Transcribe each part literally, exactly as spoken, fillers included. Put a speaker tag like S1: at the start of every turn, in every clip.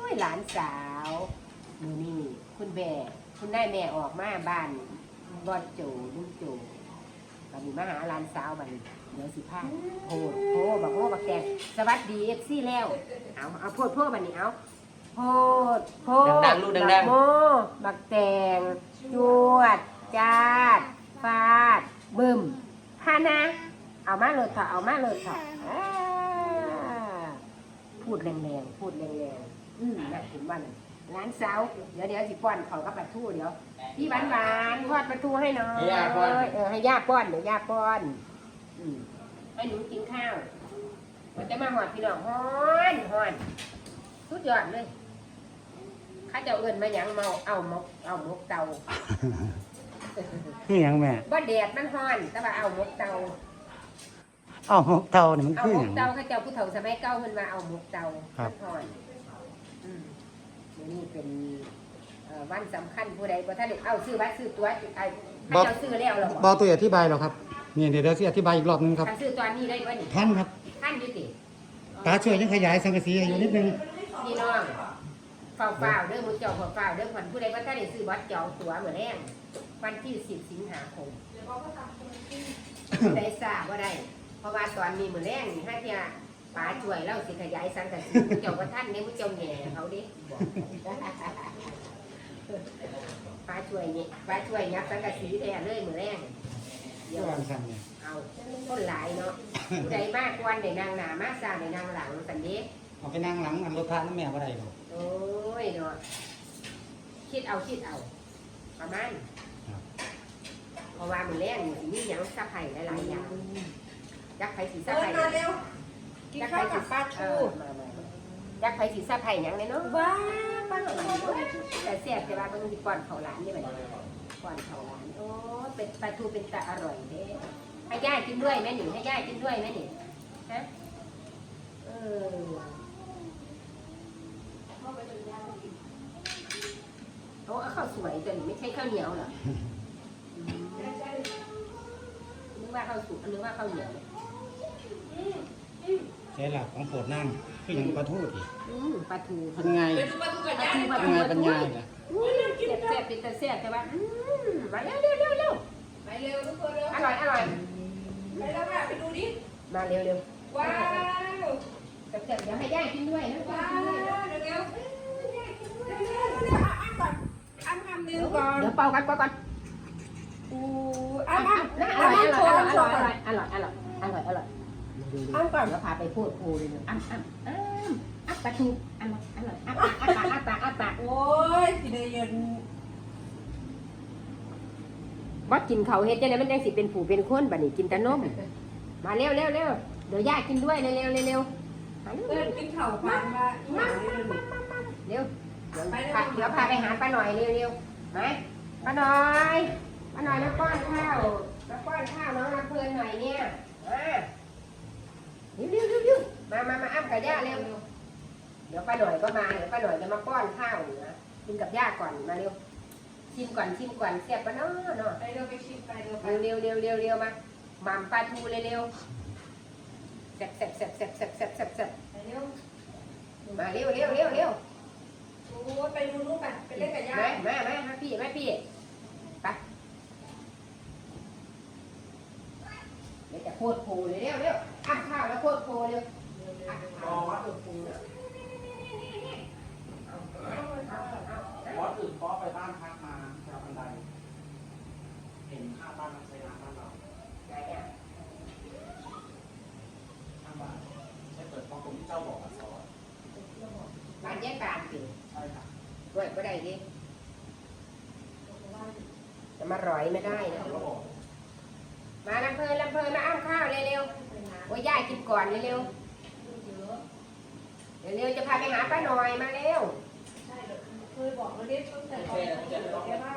S1: ยหลานสาวมือนี่คุณแม่คุณได้แม่ออกมาบ้านบอดโจลุงโจบันนี้มาหาหลานสาวบันนี้เดี๋ยวสิพาโพดโพบักโพบักแตงสวัสดีเอฟซีแล้วเอาเอาโพดโพบันนี้เอาโพดโพด
S2: ดังๆลูกดังๆ
S1: บักโมบักแตงจวดจาดฟาดบึมฮานะเอามาเลยค่ะเอามาเลยค่ะพูดแรงๆพูดแรงๆอืมนะถึงบ้านร้านเสาเดี๋ยวเดี๋ยวสิป้อนเขากับปลาทูเดี๋ยวพี่หวานหวานทอดปลาทูให้หน่อยเออให้ย่าป้อนเดี๋ยวย่าป้อนอืมให้หนูกินข้าวมันจะมาหอดพี่น้องฮ้อนฮ้อนสุดยอดเลยข้าเจ้าเอิญมาหยังเมาเอามกเอามกเตา
S3: คือหยังแม่
S1: บ่แดดมันฮ้อนแต่ว่าเอามกเตา
S3: เอ้าหกเท่านี่มัน
S1: เอา
S3: คือ
S1: ห
S3: ห
S1: ม
S3: ยั
S1: ก
S3: ง
S1: เตาข้าเจ้าผู้เฒ่าสมัยเก่าเพิ่นว่าเอาหมกเตา
S3: ครับ
S1: ฮ้อนอืมเดี๋ยวนี้เป็นเอ่อวันสำคัญผู้ใดบ่ทันได้เอาซื้อบัตรซื้อตั๋วไอ้ข้าเจ้าซื้อแล้วเหรอ
S3: บ่ตัวอธิบายหรอกครับนี่เดี๋ยวเดี๋ยวสิอธิบายอีกรอบหนึงครับ
S1: คันซื้อตอนนี้ได้บ่นี่
S3: ท่านครับ
S1: ท่านอยู่ติ
S3: ตาช่วยยังขยายสังกะสีให้อยู่นิดนึง
S1: พี่น้องเฝ้าๆเด้อมื้อเจ้าเฝ้าๆเด้อคนผู้ใดบ่ทันได้ซื้อบัตรจองตั๋วมื้อแรงวันที่สิบสิงหาคมได้ทราบบ่ได้เพราะว่าตอนนี้มื้อแรงนี่ถ้าเที่ยป๋าช่วยเราสิขยายสังกะสีมื้อเจ้าบ่ทันเนี่ยมื้อเจ้าแหน่เขาเด้ป๋าช่วยนี่ป๋าช่วยยับสังกะสีแท้เลยมื้อแรงเดี๋ยว
S3: วางสั่นเนี่ย
S1: เอาคนหลายเนาะผู้ใดมากกวนได้นางหน้ามาซ่าได้นางหลังสันเด้
S3: เอาไปนั่งหลังอันรถพระน้ำแม่บ่ได้หรอก
S1: โอ้ยเนาะคิดเอาคิดเอาประมาณเพราะว่ามันแรงนี่สิมีหยังซับไผ่หลายๆอย่างยักษ์ไผ่สีซับ
S4: เดิ
S1: ไผ่
S4: นมาเร็วกินข้าวกับปลา
S1: เอ
S4: ทู
S1: อมามามายักษ์ไผ่สีซับไผ่หยังเลยเนาะว้าป้าหน่อยแต่เสียบแต่ว่ามันสิก่อนเขาหลานนี่บัดนี้ก่อนเขาหลานโอ้เป็นปลาทูเป็นตาอร่อยเด้ให้ย่ากินด้วยแม่หนิให้ย่ากินด้วยแม่หนิฮะเออโอ้ข้าวสวยแต่ไม่ใช่ข้าวเหนียวเหรอนึกว่าข้าวสุกนึกว่าข้าวเหนียว
S3: ใช่หลักของโปรดนั่งคือหยังปลาทูดิ
S1: อืมปลาทู
S3: เป็นไง
S4: ไปดูปลาทูกับ
S1: ปลา
S4: ย่า
S1: ทูปลา
S3: เป็น
S1: ทู
S3: ไง
S1: ปลา
S3: เป็น
S1: ทู
S3: ไงล่ะ
S1: เสียบเสียบเป็นตะเสียบแต่ว่าอืมมาเร็วเร็วเร็วเร็ว
S4: ไปเร็วทุกคนเร็ว
S1: อร่อยอร่อย
S4: ไปแล้วค่ะไปดูดิ
S1: มาเร็วเร็ว
S4: ว้าว
S1: เสียบเสียบเดี๋ยวให้ย่ากินด้วยนะ
S4: ว้า
S1: กินด้วย
S4: วเร็วเร็วเร็วเร็วเร็วอ่ะอ่ะก่อนอ่ะคำหนึ่งก่อน
S1: เดี๋ยวเป่ากันเป่ากัน
S4: อู้
S1: อ่ะ
S4: อ่ะ
S1: อ่ะ
S4: อ่ะ
S1: อ
S4: อ่ะ
S1: ร่อย
S4: อ่ะ
S1: อ
S4: โช
S1: ร่อ
S4: ว์
S1: ยอ
S4: อ่ะโชว์
S1: ร่อยอร่อยอร่อยอร่อยอร่อย
S4: อ้ำก่อน
S1: เดี๋ยวพาไปพูดพูดเลยอ้ำอ้ำอ้ำอ้ำปลาทูอร่อยอร่อยอ้ำอ้ำอ้ำปากอ้ำปากอ้ำปาก
S4: โอ้ยสิได้ยิน
S1: บ่กินเขาเฮ็ดจังได๋มันจังสิเป็นผู้เป็นคนบัดนี้กินแต่นมมาเร็วเร็วเร็วเดี๋ยวย่ากินด้วยเร็วเร็วเร็วเร็วมาเร็ว
S4: เดินกินข้าวพันมาอีหยังเลย
S1: เร็วเดี๋ยวพาเดี๋ยวพาไปหาป้าหน่อยเร็วเร็วมาป้าหน่อยป้าหน่อยมาป้อนข้าวมาป้อนข้าวน้องลำเพลินหน่อยเนี่ยมาเร็วเร็วเร็วเร็วมามามาอ้ำกับย่าเร็วเดี๋ยวป้าหน่อยก็มาเดี๋ยวป้าหน่อยจะมาป้อนข้าวนะกินกับย่าก่อนมาเร็วชิมก่อนชิมก่อนเสียบปะเนาะเนาะ
S4: ไปเร็วไปชิมไปเร็วไป
S1: เร็วเร็วเร็วเร็วเร็วมาหม่ำปลาทูเร็วเร็วแซ่บแซ่บแซ่บแซ่บแซ่บแซ่บแซ่บแซ่บ
S4: ไปเร็ว
S1: มาเร็วเร็วเร็วเร็ว
S4: โอ้ยไปดูนู่นไปไปเล่นกับย่า
S1: มามามามาพี่มาพี่ไปเดี๋ยวจะโคตรโผล่เลยเร็วเร็วอ้ำข้าวแล้วโคตรโผล่เร็วอ้ำข้าวแล้วโคตรโผล่เนี่ยเอาเอาเอาเอาเอา
S2: บอสอื่นเพราะไปบ้านพักมาแถวบันได เห็นข้างบ้านมันใช้น้ำบ้านเรา
S1: ไหนอ่ะ
S2: ข้างบ้านใช้เปิดเพราะผมที่เจ้าบอกอ่ะซอส
S1: บ้านแยกการสิ
S2: ใช่ค่ะ
S1: ด้วยก็ได้ดิจะมาร้อยไม่ได้นะ
S2: เขาก็บอก
S1: มาลำเพลินลำเพลินมาอ้ำข้าวเร็วๆโอ้ยย่ากินก่อนเร็วๆเร็วๆจะพาไปหาป้าหน่อยมาเร็ว
S4: ใช่เลยเคยบอกเราเรียกตั้งแต่ตอนเด็กๆแกว่า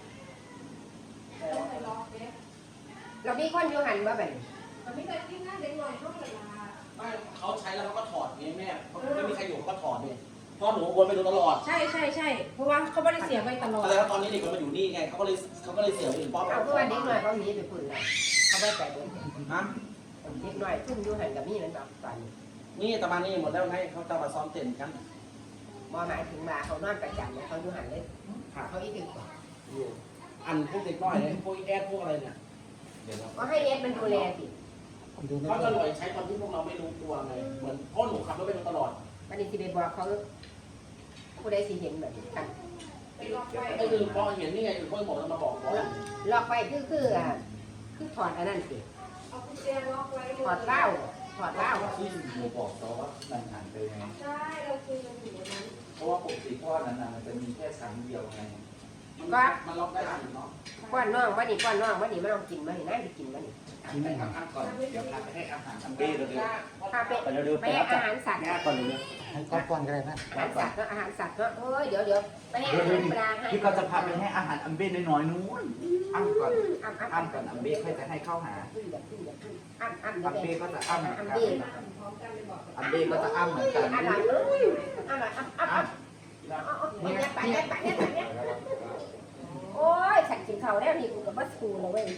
S4: ต้องไปรอเด็ก
S1: เรามีคนอยู่หันมาแบบ
S4: มันไม่ได้กินหน้าเด็กหน่อยเท่าไหร่ละ
S2: ไม่เขาใช้แล้วเขาก็ถอดไงแม่เขาไม่มีใครอยู่เขาก็ถอดเนี่ยเพราะหนูวนไปดูตลอด
S4: ใช่ใช่ใช่เพราะว่าเขาไม่ได้เสียไปตลอด
S2: แล้วตอนนี้เด็กมันมาอยู่นี่ไงเขาก็เลยเขาก็เลยเสียไปถึงป๊อป
S1: เอาคือว่าเด็กหน่อยเขาหนีไปพุ่นแล้วเขาไม่ไปเดิน
S2: ฮะ
S1: เด็กหน่อยทุ่มอยู่หันกับมีนั่นแบบตอนนี้
S2: นี่ตะมานี่หมดแล้วไงเขาจะมาซ้อมเต้นกัน
S1: บบ่หมายถึงว่าเขานอนประจำเนี่ยเขาอยู่หันเลย
S2: ค่ะ
S1: เขาอีกถึง
S2: อยู่อันพวกเด็กน้อยเนี่ยพวกแอดพวกอะไรเนี่ยเดี๋ยวเรา
S1: ก็ให้เอสมันดูแลสิ
S3: ดูไม่
S2: เขา
S3: ได้
S2: จะรวยใช้ตอนที่พวกเราไม่รู้ตัวไงเหมือนพ่อหนูขับรถไปตลอด
S1: วันนี้ที่ไปบอกเขาผู้ใดสิเห็นแบบนี้กัน
S2: ก็คือพอเห็นนี่ไงคือพ่อบอกจะมาบอกว่า
S1: ล็อกไปคือคืออ่ะคือถอดอันนั้นสิ
S4: เอากุญแจล็อกไว้
S1: ถอดเหล้าถอดเหล้า
S5: ที่หนูบอกเขาว่ามันหันไปไง
S4: ใช่เราคุยกันอยู่วันนั้น
S5: เพราะว่าปกติท่อนั้นน่ะมันจะมีแค่ชั้นเดียวไง
S2: มันมันล็อกได้อันเนาะ
S1: ป้อนน้องวันนี้ป้อนน้องวันนี้ไม่ต้องกินวันนี้น่าจะกินวันนี้
S5: ให้ทำอันก่อน เดี๋ยวพาไปให้อาหารอัมเบ้เร็ว
S1: พาไป
S5: ๆไปเร็วๆ
S1: ไป
S5: ไป
S1: ให้
S5: รับ
S1: อา
S5: จาก
S1: หารสัตว์
S5: แม่ก่อนเลย
S3: ให้ก้อนก้อนก็ได้นะ
S1: อาหารสัตว์เนาะอาหารสัตว์เนาะโอ้ยเดี๋ยวเดี๋ยวไปให้อาหารปลาให้
S5: พี่ก็จะพาไปให้อาหารอัมเบ้น้อยๆนู้นอ้ำก่อน
S1: อ้ำอ้ำ
S5: อ้ำก่อนอัมเบ้ค่อยจะให้เข้าหา
S1: ขึ้นอย่าขึ้นอย่าขึ้นอ้ำอ้ำ
S5: อัม
S1: เดี๋
S5: เบ้
S1: ยว
S5: ก็จะอ้ำเหมือน
S1: อ้ำ
S5: กัน
S1: เบ้
S4: พร้อมกันเลยบอก
S5: อัมเบ้ก็จะอ้ำเหมือนกัน
S1: อร่อยเลยอร่อยอ้ำอ้ำอ้ำเนี่ยไปเนี่ยไปเนี่ยไปเนี่ยโอ้ยฉันกินเขาแล้วนี่กูกับบัสกูเลยเว้ย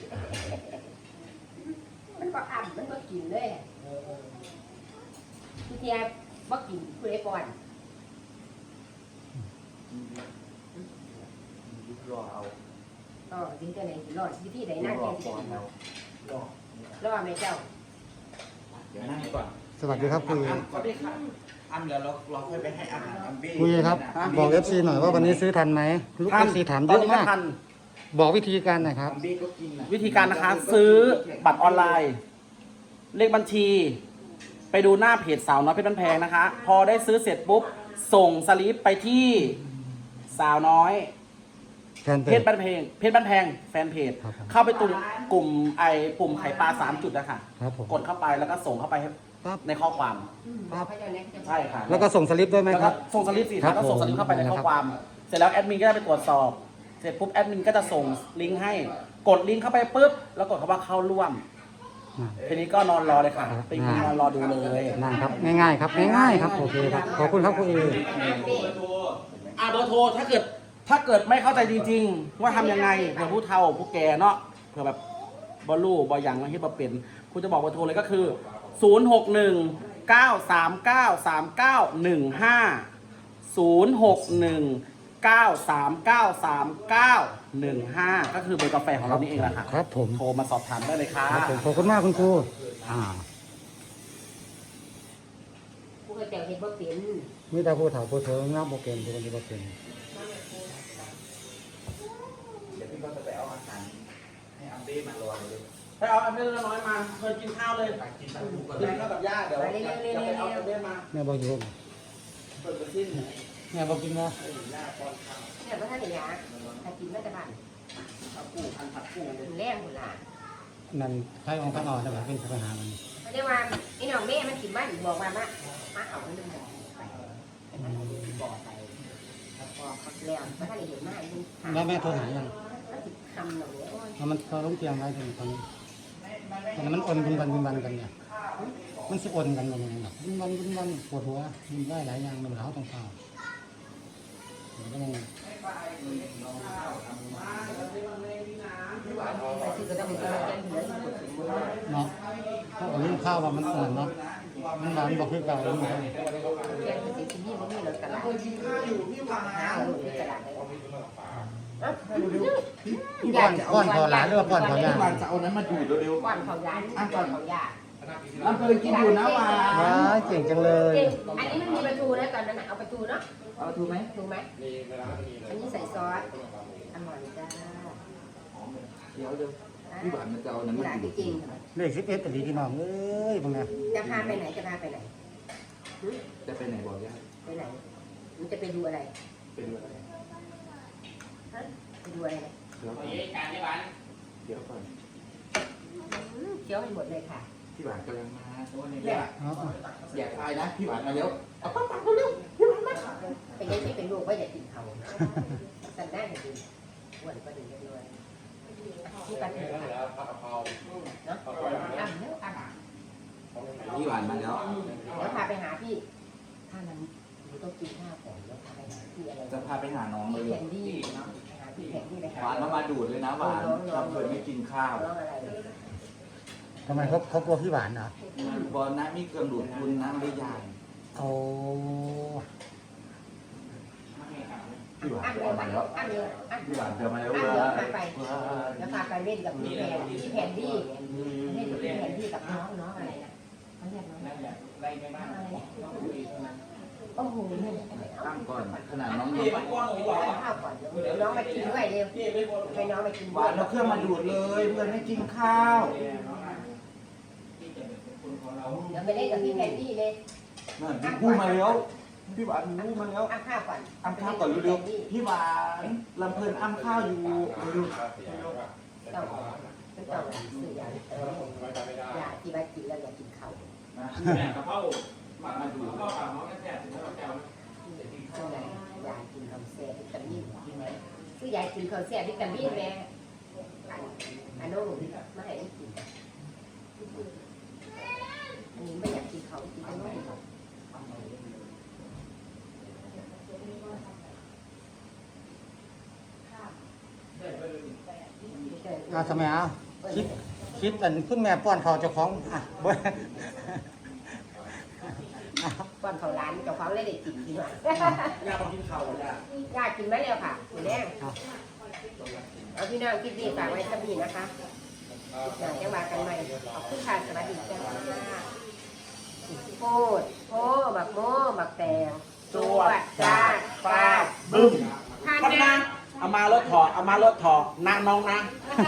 S1: มันก็อ้ำมันก็กินเลยพี่เทียบบ่กินผู้ใดป้อน
S5: รอเอา
S1: อ๋อถึงจะไหนสิรอดวิธีใด
S5: ร
S1: น่า
S5: อ
S1: แก่สิ
S5: ก่อนแล้วรอ
S1: รอดไหมเจ้า
S5: เดี๋ยวนั่งก่อน
S3: สวัสดีครับคุย
S5: อ้ำก่อนดิค่ะอ้ำแล้วเราเราค่อยไปให้อาหารอัมเบ้
S3: คุยครับ บอกเอฟซีหน่อยว่าวันนี้ซื้อทันไหมลูกเอฟซีถามเยอะมาก บอกวิธีการหน่อยครับ
S5: อัมเบ้ก็กินนะ
S2: วิธีการนะคะ ซื้อบัตรออนไลน์ เลขบัญชี ไปดูหน้าเพจสาวน้อยเพชรบ้านแพงนะคะ พอได้ซื้อเสร็จปุ๊บ ส่งสลิปไปที่สาวน้อย
S3: แฟนเพ
S2: เพ
S3: จ
S2: ชรบ้านแพงเพชรบ้านแพงแฟนเพจ
S3: ครับผม
S2: เข้าไปตุ่มกลุ่มไอ้ปุ่มไข่ปลาสามจุดนะคะ
S3: ครับผม
S2: กดเข้าไปแล้วก็ส่งเข้าไปให้
S3: ปั๊บ
S2: ในข้อความ
S1: ครับ
S2: ใช่ค่ะ
S3: แล้วก็ส่งสลิปด้วยไหม
S2: แล้ว
S3: ค
S2: ก็
S3: รับ
S2: ส่งสลิปสิ
S3: ครั
S2: คะ
S3: บ
S2: ก็ส่งสลิปเข้าไปในข้อความ เสร็จแล้วแอดมินก็ได้ไปตรวจสอบ เสร็จปุ๊บแอดมินก็จะส่งลิงก์ให้ กดลิงก์เข้าไปปุ๊บ แล้วกดคำว่าเข้าร่วม
S3: อ่า
S2: ทีนี้ก็นอนรอเลยค่ะไปนอนรอดูเลย
S3: นั่นครับง่ายๆครับง่ายๆครับโอเคครับขอบคุณครับคุณเอ
S2: อ่าเบอร์โทรถ้าเกิดถ้าเกิดไม่เข้าใจจริงๆ ว่าทำยังไงเผื่อผู้เฒ่าผู้แก่เนาะเผื่อแบบบอลลูบอยังมาที่บอเป็นคุณจะบอกเบอร์โทรเลยก็คือ ศูนย์ หก หนึ่ง เก้า สาม เก้า สาม เก้า หนึ่ง ห้า ศูนย์ หก หนึ่ง เก้า สาม เก้า สาม เก้า หนึ่ง ห้า ก็คือเบอร์กาแฟของเรานี่เองแหละค่ะ
S3: ครับผม
S2: โทรมาสอบถามได้เลยค่ะ
S3: ครับผมขอบคุณมากคุณครูอ่า
S1: ผู้กระเจ้าเห็นบ่เป็น
S3: มีแต่ผู้ถามผู้เถิงนะโปรเกมทุกคนที่โปรเกม
S5: เดี๋ยวพี่ก็จะไปเอาอาหารให้อัมเบ้มารอเลย
S2: ไปเอาอันเล็กน้อยมาเคยกินข้าวเลย
S5: ไปกินข้าวก็
S2: กิ
S5: ได้
S2: นข้าวกับย่าเดี๋ยวจะไปเอาอันเล็กมา
S3: แม่บอกอยู่
S2: เปิดกระสิ้น
S3: แม่บอกกินว่า
S2: ให้ย่าป้อนข้าว
S1: เนี่ยพระท่านเนี่ยถ้ากินไม่จะบ้าน
S2: ผักกูพันผักกู
S1: กินแรงหมดละ
S3: นั่นใครองค์พระนอนนะครับเป็นปัญหามัน
S1: เขาเรียกว่าไอ้น้องแม่มันกินบ้านบอกว่ามามาเอาเรื่องไปไปมันเอาบ่อไปแล้วพอเขาแล้วพระท่านเห็นหน้าอีก
S3: แล้วแม่โทรหายัง
S1: ก็ติดคำหนูโอ้ย
S3: แล้วมันเขาล้มเตียงไว้ถึงตอนนี้ตอนนั้นมันอ่อนบุญวันบุญวันกันเนี่ยมันสิอ่อนกันอย่างไรหรอบุญวันบุญวันปวดหัวมันได้หลายอย่างมันเหลาต้องเฝ้ามันก็ต้อง
S1: ไปซื้อก็ต้องมีตัวแจ้งเหลืออยู่คนถึงมือ
S3: เนาะเพราะว่าลูกข้าวว่ามันอ่อนเนาะมันหวานบอกคือเก่าลูกข้าว
S1: แจ้งไปซื้อที่นี่มันนี่เราตลาด
S2: กินข้าวอยู่พี่วาน
S1: หาเอาอยู่ตลาดเลย
S3: พี่ป้อนป้อนขอหลานหรือว่าป้อนขอยา
S5: พี่วานจะเอานั้นมาดูดเร็ว
S1: ก่อนเขายาอ่ะก่อนเขายา
S5: ๆน้ำเคยกินอยู่นะหวาน
S3: ว้ายเก่งจังเลย
S1: อันนี้มันมีประตูนะตอนนั้นเอาประตูเนาะ
S5: เอาถูกไหม
S1: ถูกไหมอันนี้ใส่ซอสอร่อยจ้า
S5: เดี๋ยวเดี๋ยวพี่หวานมันจะเอานั้น
S1: ห
S5: มา
S1: ลาน
S5: ดูด
S1: จริง
S3: เลขสิบเอ็ดแต่ดีพี่น้องเอ้ยบังไง
S1: จะพาไปไหนจะพาไปไหน
S5: จะไปไหนบอกย่า
S1: ไปไหนมันจะไปดูอะไร
S5: ไปดูอะไร
S1: ฮะไปดูอะไรเนี่ย
S5: เดี๋ยวก่อนเดี๋ยวก่อน
S1: อืมเคี้ยวให้หมดเลยค่ะ
S5: พี่หวานกำลังมาโอ้ย
S1: เนี่
S5: เนี่ย ย
S3: เอาเอา
S5: อย่าตายนะพี่หวานมาแล้วเอาปั๊บปั๊บเร็ว
S1: เป็นยังที่เป็นลูกว่าอย่ากินเขาสันได้จะดีอ้วนก็ดีกันด้วยนี่กันเถอะเนาะอ่ำเนาะอ่ำ
S5: พี่หวานมาแล้ว
S1: เดี๋ยวพาไปหาพี่ถ้านั้นหนูต้องกินข้าวก่อนแล้วพาไปหาพี่อะไร
S5: จะพาไปหาน้องเลย
S1: แคนดี้เนาะไปหาพี่แคนดี้เลยค่ะ
S5: หวานมามาดูดเลยนะหวานเราเคยไม่กินข้าว
S1: น้องอะไร
S3: ทำไมเขาเขากลัวพี่หวานเหรอบ
S5: อลนะมีเครื่องดูดคุณนะไม่ได้ยาย
S3: โอ้
S1: อ้ำเร็วไปอ้ำเร็วอ้ำ
S5: พี่หวานเจอมาแล้ว
S1: อ้ำ
S5: เว้
S1: เร็วย พาไปแล้วพาไปเล่นกับพี่แพนพี่แพนดี้เล่นกับพี่แพนดี้กับน้องน้องอะไรนะเขาเรียกน้องอะไรโอ้โหเนี่ย
S5: ตั้งก่อนขนาดน้อง
S1: เดี๋
S5: เย็
S1: ย
S5: บ
S1: วข้าวก่อนเดี๋ยวน้องมากินด้วยเร็วให้น้องมากิน
S5: ห
S1: ด้ว
S5: วาย นเราเครื่องมาดูดเลยเพื่อนให้กินข้าว
S1: เดี๋ยวไปเล่นกับพี่แพนดี้เลย
S5: นั่นพี่พูดมาแล้วพี่หวานพูดมาแล้ว
S1: อ้ำข้าวก่อน
S5: อ้ำข้าวก่อนเร็วๆพี่หวานลำเพลินอ้ำข้าวอยู่เร็ว
S1: ต้องไม่ต้องสื่ออย่างเอออย่าที่ว่ากินแล้วอย่ากินข้าว
S5: ๆนะ
S6: แม่กับเข้า
S5: มาดู
S6: เข้าปากน้องแค่ถึงแล้วแก้ว
S1: ช่วงไหนยายกินข้าวแซ่บวิตามินคือยายกินข้าวแซ่บวิตามินแม่อันนู้นไม่ให้กินอันนี้ไม่อยากกินเขากินอันนู้น
S3: อาสมัยเอาคิดคิดอันคุณแม่ป้อนเขาวเจ้าของอ่ะบ่
S1: ก่อนเขาร้านเจ้าของเลยได้กินดีกว่า
S2: อยากกินข้าวจ้ะ
S1: ยากกินไหมแล้วค่ะคุณแม่เอาพี่น้องคิดดีฝากไว้สักนิดนะคะอยากจะมากันใหม่ขอบคุณค่ะสวัสดีจ้าโคตรโคบักโม่บักแตงจวดจ้าฟาด
S2: บึ้ม
S1: ทาน
S2: พัน
S1: นะ
S2: นาเอามารถถอดเอามารถถอดนางน้องนะ
S1: ท